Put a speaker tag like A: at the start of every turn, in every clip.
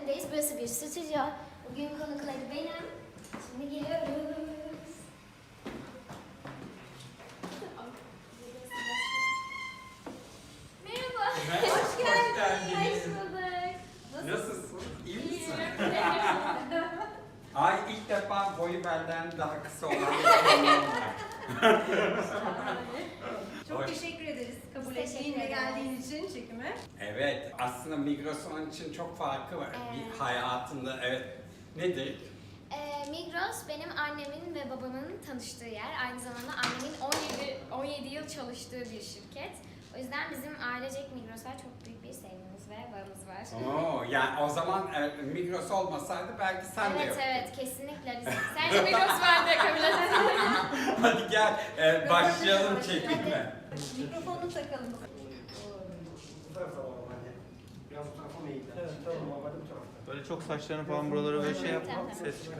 A: evindeyiz. Burası bir stüdyo. Bugün konukları benim. Şimdi geliyoruz. Merhaba.
B: Hoş geldiniz.
A: Hoş bulduk.
B: Nasılsın? İyi misin?
A: İyiyim.
B: Ay ilk defa boyu benden daha kısa olan bir konuğum var.
C: Çok
B: Hoş.
C: teşekkür ederiz kabul
A: Teşekkür
C: ettiğin ve
A: ederiz.
C: geldiğin için çekime.
B: Evet, aslında Migros onun için çok farkı var. Bir hayatında, evet. Nedir?
A: Migros benim annemin ve babamın tanıştığı yer. Aynı zamanda annemin 17 yıl çalıştığı bir şirket. O yüzden bizim ailecek Migros'a çok büyük bir sevgimiz ve bağımız var.
B: Oo, yani o zaman Migros olmasaydı belki sen de
A: Evet
B: yoktu.
A: evet kesinlikle. Sence Migros var diye kabul ederim.
B: Hadi gel, başlayalım çekime.
C: Mikrofonu takalım.
D: Bu tarafa alalım hadi. Biraz bu tarafa mı eğilir? Evet, tamam. Hadi bu tarafta.
E: Böyle çok saçlarını falan buralara böyle şey yapma,
A: Tamam.
E: ses çıkar.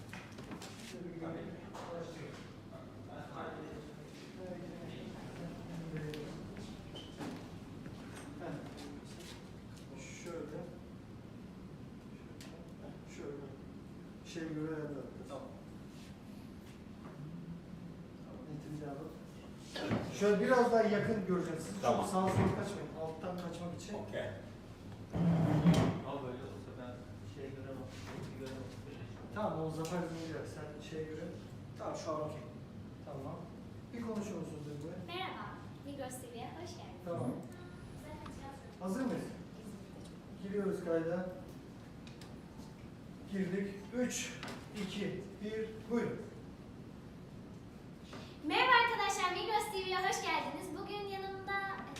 D: Şöyle. Şöyle. Şey göre ayarladım. Tamam. Netimizi alalım. Şöyle biraz daha yakın göreceksiniz.
B: Tamam.
D: Çok sağa sola kaçmayın. Alttan kaçmak için.
B: Okey.
E: Al böyle olsa ben şey göremem, göremem.
D: Tamam, o zafer dinleyecek. Sen şeye göre. Tamam, şu an okey. Tamam. Bir konuşur musunuz benimle?
A: Merhaba, Migros TV'ye hoş geldiniz.
D: Tamam. Hazır mıyız? Giriyoruz kayda. Girdik. 3, 2, 1, buyurun.
A: Merhaba arkadaşlar, Migros TV'ye hoş geldiniz. Bugün yanımda...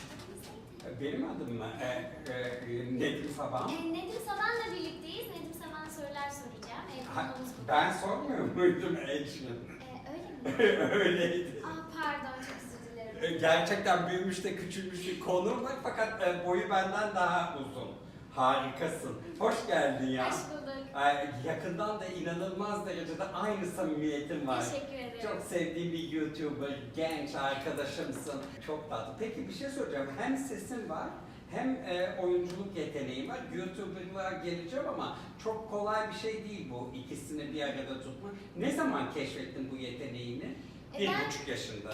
B: Benim adım mı? Nedim Saban.
A: Nedim Saban'la birlikteyiz. Nedim Saban'a sorular soracağım. Konuğumuz bu.
B: Ben sormuyor muydum Ecrin?
A: Öyle mi?
B: Öyleydi.
A: Pardon, çok özür dilerim.
B: Gerçekten büyümüş de küçülmüş bir konuğum var fakat boyu benden daha uzun. Harikasın. Hoş geldin ya.
A: Hoş bulduk.
B: Yakından da inanılmaz derecede aynı samimiyetin var.
A: Teşekkür ederim.
B: Çok sevdiğim bir YouTuber, genç arkadaşımsın. Çok tatlı. Peki bir şey soracağım. Hem sesin var hem oyunculuk yeteneği var. YouTuber'lığa geleceğim ama çok kolay bir şey değil bu ikisini bir arada tutmak. Ne zaman keşfettin bu yeteneğini? Bir
A: Ben-
B: buçuk yaşında.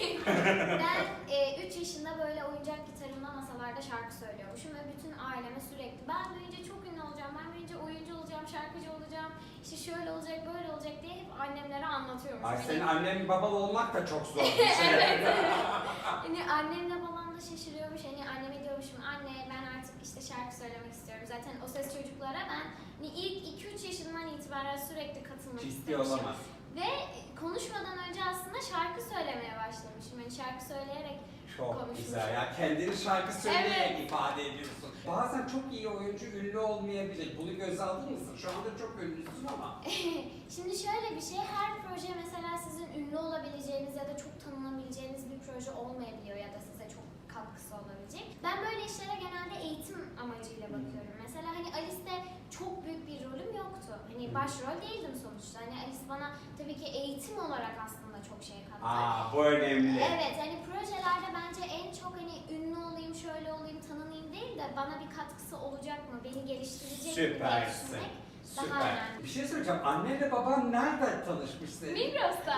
A: Ben 3 yaşında böyle oyuncak gitarımla masalarda şarkı söylüyormuşum ve bütün aileme sürekli ben büyüyünce çok ünlü olacağım, ben büyüyünce oyuncu olacağım, şarkıcı olacağım, işte şöyle olacak, böyle olacak diye hep annemlere anlatıyormuşum.
B: Ay
A: Hani-
B: senin annen babalı olmak da çok zor bir şey.
A: Hani annemle babam da şaşırıyormuş. Hani anneme diyormuşum anne ben artık işte şarkı söylemek istiyorum. Zaten O Ses Çocuklara ben hani ilk 2-3 yaşından itibaren sürekli katılmak
B: Ciddi
A: istemişim.
B: olamaz.
A: Ve konuşmadan önce aslında şarkı söylemeye başlamışım. Hani şarkı söyleyerek
B: Çok
A: konuşmuşum.
B: güzel ya. Kendini şarkı söyleyerek
A: Evet.
B: ifade ediyorsun. Bazen çok iyi oyuncu ünlü olmayabilir. Bunu göze aldın mısın? Şu anda çok ünlüsün ama.
A: Şimdi şöyle bir şey, her proje mesela sizin ünlü olabileceğiniz ya da çok tanınabileceğiniz bir proje olmayabiliyor ya da size çok katkısı olabilecek. Ben böyle işlere genelde eğitim amacıyla bakıyorum. Mesela hani Alice'de çok büyük bir rolüm yoktu. Hani başrol değildim sonuçta. Hani Alice bana tabii ki eğitim olarak aslında çok şey kattı.
B: Aa, bu önemli.
A: Evet, hani projelerde bence en çok hani ünlü olayım, şöyle olayım, tanınayım değil de bana bir katkısı olacak mı, beni geliştirecek mi diye
B: Süpersin.
A: düşünmek daha
B: Süper.
A: önemli.
B: Bir şey söyleyeceğim. Annenle baban nerede tanışmış senin?
A: Migros'ta.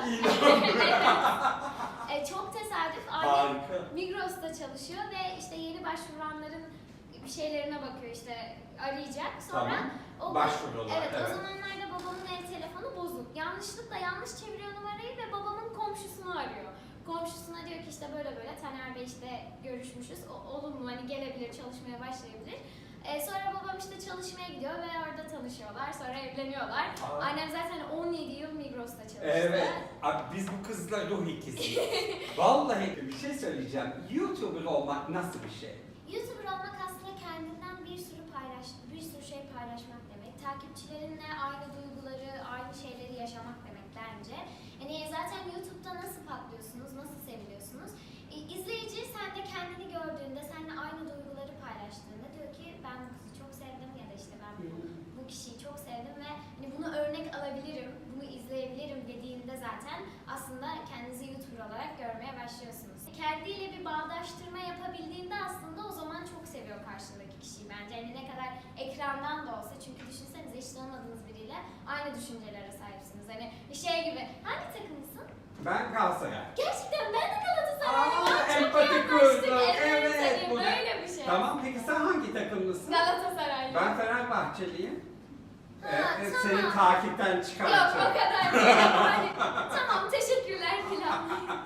A: Çok tesadüf. Annem
B: Harika.
A: Migros'ta çalışıyor ve işte yeni başvuranların bir şeylerine bakıyor işte arayacak. Sonra
B: Tamam.
A: o
B: Başvuruyorlar,
A: Evet,
B: evet.
A: o zamanlarda babamın ev telefonu bozuk. Yanlışlıkla yanlış çeviriyor numarayı ve babamın komşusunu arıyor. Komşusuna diyor ki işte böyle böyle Taner Bey işte görüşmüşüz. Olumlu hani gelebilir, çalışmaya başlayabilir. Sonra babam işte çalışmaya gidiyor ve orada tanışıyorlar. Sonra evleniyorlar.
B: Aa.
A: Annem zaten 17 yıl Migros'ta çalıştı.
B: Evet. Abi biz bu kızla ruh ikisiyiz. Vallahi bir şey söyleyeceğim. YouTuber olmak nasıl bir şey?
A: YouTuber olmak aslında kendinden bir sürü şey paylaşmak demek. Takipçilerinle aynı duyguları, aynı şeyleri yaşamak demek bence. Yani zaten YouTube'da nasıl patlıyorsunuz, nasıl seviliyorsunuz? İzleyici sen de kendini gördüğünde, seninle aynı duyguları paylaştığında diyor ki ben bu kızı çok sevdim ya da işte ben bu kişiyi çok sevdim ve hani bunu örnek alabilirim, bunu izleyebilirim dediğinde zaten aslında kendinizi YouTuber olarak görmeye başlıyorsunuz. Kendiyle bir bağdaştırma yapabildiğinde aslında o zaman çok seviyor karşındaki kişiyi bence. Yani ne kadar ekrandan da olsa çünkü düşüncelere sahipsiniz. Hani şey gibi, hangi takımlısın?
B: Ben Galatasaray.
A: Gerçekten ben de Galatasaraylıyım.
B: Aa,
A: Çok iyi
B: empati
A: anlaştık.
B: kurduk. Evet,
A: hani
B: bu ne?
A: böyle bir şey.
B: Tamam, peki sen hangi takımlısın?
A: Galatasaraylıyım.
B: Ben Fenerbahçeliyim.
A: Ha,
B: Seni
A: tamam.
B: takipten
A: Yok o
B: çıkartacağım.
A: kadar değil. Hani, tamam teşekkürler filan.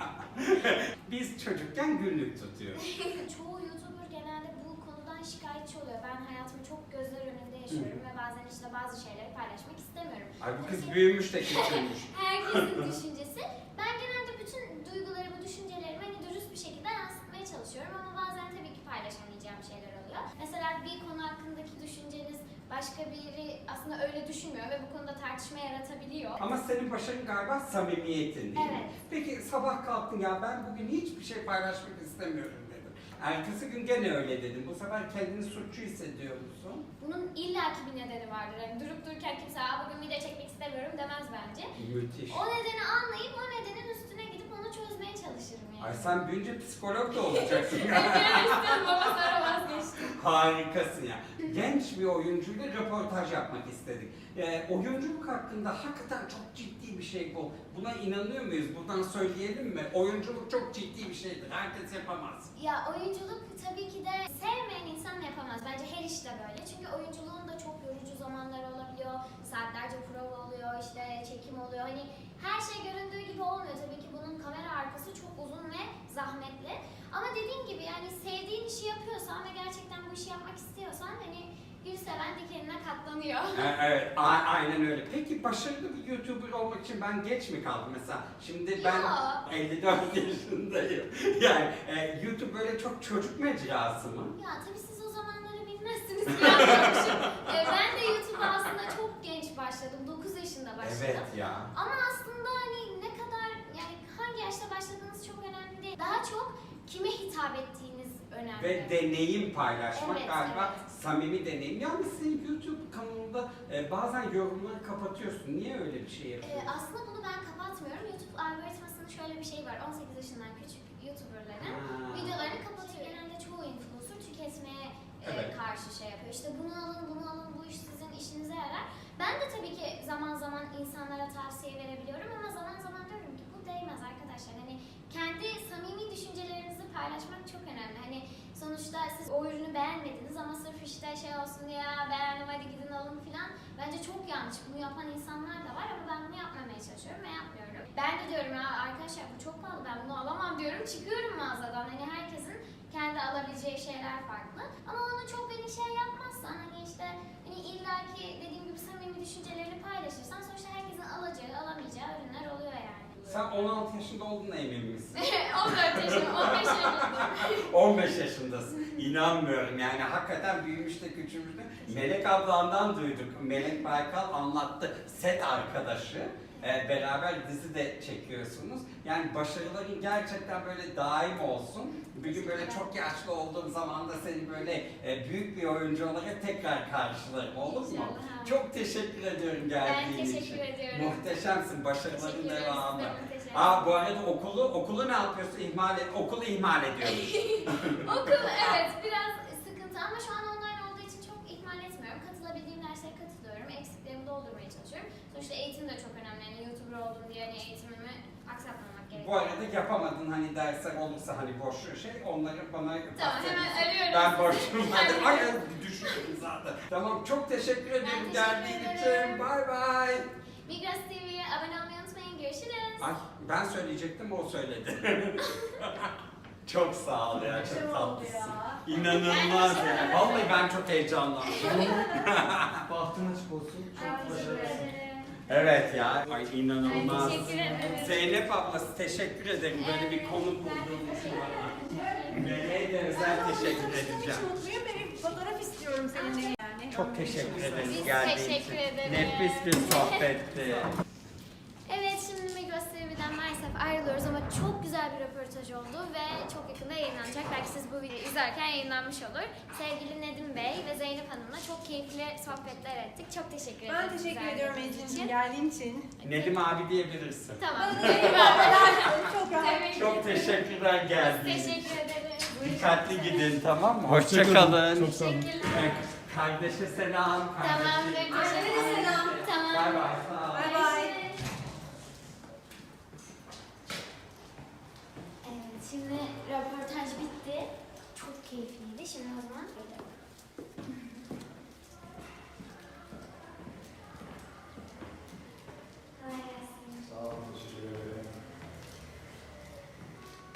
B: Biz çocukken günlük tutuyoruz.
A: Çoğu YouTuber genelde bu konudan şikayetçi oluyor. Ben hayatımı çok gözler önünde yaşıyorum ve bazen işte bazı şeyleri paylaşmak istemiyorum.
B: Ay bu kız büyümüş de küçülmüş.
A: Herkesin düşüncesi. Ben genelde bütün duygularımı, düşüncelerimi hani dürüst bir şekilde yansıtmaya çalışıyorum ama bazen tabii ki paylaşamayacağım şeyler oluyor. Mesela bir konu hakkındaki düşünceniz başka biri aslında öyle düşünmüyor ve bu konuda tartışma yaratabiliyor.
B: Ama senin başarın galiba samimiyetin değil mi?
A: Evet.
B: Peki sabah kalktın ya ben bugün hiçbir şey paylaşmak istemiyorum dedim. Ertesi gün gene öyle dedim. Bu sefer kendini suçlu hissediyor musun?
A: Bunun illaki bir nedeni vardır. Yani durup dururken kimse bugün video çekmek istemiyorum demez bence.
B: Müthiş.
A: O nedeni anlayıp o nedenin üstüne gidip onu çözmeye çalışırım yani.
B: Ay sen büyünce psikolog da olacaksın.
A: Öyle baba sonra vazgeçtim.
B: Harikasın ya. Genç bir oyuncuyla röportaj yapmak istedik. Oyunculuk hakkında hakikaten çok ciddi bir şey bu. Buna inanıyor muyuz? Buradan söyleyelim mi? Oyunculuk çok ciddi bir şeydir. Herkes yapamaz.
A: Ya oyunculuk tabii ki de sevmeyen insan yapamaz. Bence her işte böyle. Çünkü oyunculuğun da çok yorucu zamanları olabiliyor. Saatlerce prova oluyor, işte çekim oluyor. Hani her şey göründüğü gibi olmuyor. Tabii ki bunun kamera arkası çok uzun ve zahmetli. Ama dediğim gibi yani sevdiğin işi yapıyorsan ve gerçekten bu işi yapmak istiyorsan hani gül seven dikenine katlanıyor.
B: Evet, aynen öyle. Peki başarılı bir YouTuber olmak için ben geç mi kaldım mesela? Şimdi ben
A: Ya.
B: 54 yaşındayım. Yani YouTube böyle çok çocuk mecrası mı?
A: Ya tabii siz o zamanları bilmezsiniz bilmiyormuşum. Ben de YouTube'a aslında çok genç başladım. 9 yaşında başladım.
B: Evet ya.
A: Ama aslında hani ne kadar yani hangi yaşta başladığınız çok önemli değil. Daha çok kime hitap ettiğiniz önemli.
B: Ve deneyim paylaşmak
A: Evet,
B: galiba
A: evet.
B: samimi deneyim. Yalnız senin YouTube kanalında bazen yorumları kapatıyorsun. Niye öyle bir şey yapıyorsun?
A: Aslında bunu ben kapatmıyorum. YouTube algoritmasının şöyle bir şey var. 18 yaşından küçük YouTuber'ların videolarını kapatıyor. Genelde çoğu influencer tüketmeye
B: Evet.
A: karşı şey yapıyor. İşte bunu alın, bu iş sizin işinize yarar. Ben de tabii ki zaman zaman insanlara tavsiye verebiliyorum ama zaman zaman diyorum ki bu değmez arkadaşlar. Hani kendi samimi düşüncelerinizi paylaşmak çok önemli. Hani sonuçta siz o ürünü beğenmediniz ama sırf işte şey olsun diye beğendim hadi gidin alın filan. Bence çok yanlış. Bunu yapan insanlar da var ama ben bunu yapmamaya çalışıyorum ve yapmıyorum. Ben de diyorum ya arkadaşlar bu çok pahalı ben bunu alamam diyorum. Çıkıyorum mağazadan. Hani herkesin kendi alabileceği şeyler farklı. Ama onu çok beni şey yapmazsan hani işte hani illaki dediğim gibi samimi düşüncelerini paylaşırsan sonuçta herkesin alacağı alamayacağı ürünler oluyor yani.
B: Sen 16 yaşında olduğuna emin misin?
A: 14 yaşım, 15 yaşındayım.
B: 15 yaşındasın. İnanmıyorum yani hakikaten büyümüş de küçülmüş de. Melek ablandan duyduk. Melek Baykal anlattı. Set arkadaşı. Beraber dizi de çekiyorsunuz. Yani başarıların gerçekten böyle daim olsun. Bir gün böyle çok yaşlı olduğum zaman da seni böyle büyük bir oyuncu olarak tekrar karşılarım. Olur mu?
A: İnşallah.
B: Çok teşekkür ediyorum
A: Ben
B: geldiğin için.
A: teşekkür ediyorum.
B: Muhteşemsin. Başarıların
A: Teşekkür ederim,
B: devamı.
A: size muhteşem.
B: Bu arada okulu ne yapıyorsun? Okulu ihmal ediyormuş.
A: Okul evet biraz sıkıntı ama şu an online olduğu için çok ihmal etmiyorum. Katılabildiğim derslere katılıyorum. Eksiklerimi doldurmaya çalışıyorum. Sonuçta eğitim de çok önemli. Yani YouTuber oldum diye hani eğitimimi aksatmamak gerekiyor.
B: Bu arada yapamadın hani dersler olursa hani boş şey onları bana
A: Tamam hemen arıyorum.
B: Ben
A: sizi.
B: boşum. Ay düşünüyorum zaten. Tamam çok teşekkür ederim
A: teşekkür
B: geldiğin
A: ederim.
B: için. Bay bay.
A: Migros TV'ye abone olmayı unutmayın. Görüşürüz.
B: Ay ben söyleyecektim o söyledi. Çok sağ ol ya çok tatlısın. İnanılmaz ya. Vallahi ben çok heyecanlandım.
D: Bahtın açık olsun.
A: Ay,
D: Çok
A: teşekkür
D: başarılı.
A: ederim.
B: Evet ya. Ay inanılmaz.
A: Ay, teşekkür ederim.
B: Zeynep ablası teşekkür ederim böyle bir konu bulduğun için bana. Meleğe de özel teşekkür edeceğim.
C: Çok mutluyum. Ben bir fotoğraf istiyorum seninle yani.
B: Çok teşekkür ederiz
A: Biz
B: geldiğin
A: teşekkür
B: için.
A: ederiz.
B: Nefis bir sohbetti.
A: Evet şimdi Migros TV'den maalesef ayrılıyoruz ama çok güzel bir röportaj oldu ve çok yakında yayınlanacak. Belki siz bu videoyu izlerken yayınlanmış olur. Sevgili Nedim Bey ve Zeynep Hanım'la çok keyifli sohbetler ettik. Çok teşekkür ederim.
C: Ben teşekkür
A: güzel
C: ediyorum
A: dediğiniz
C: Ece'nin geldiğin için.
B: Nedim abi diyebilirsin.
A: Tamam.
C: Çok rahat.
A: Tabii ki.
B: Çok teşekkürler geldiğiniz için.
A: Teşekkür ederim.
B: Dikkatli gidin tamam mı?
D: Hoşça kalın.
B: Hoşçakalın.
D: Çok sağ olun.
A: Teşekkürler.
B: Kardeşe selam.
A: Tamamdır.
C: Annene de selam.
A: Tamam.
B: Bay bay. Sağ ol.
C: Bay bay.
A: Evet, şimdi röportaj bitti. Çok keyifliydi. Şimdi o zaman gidelim.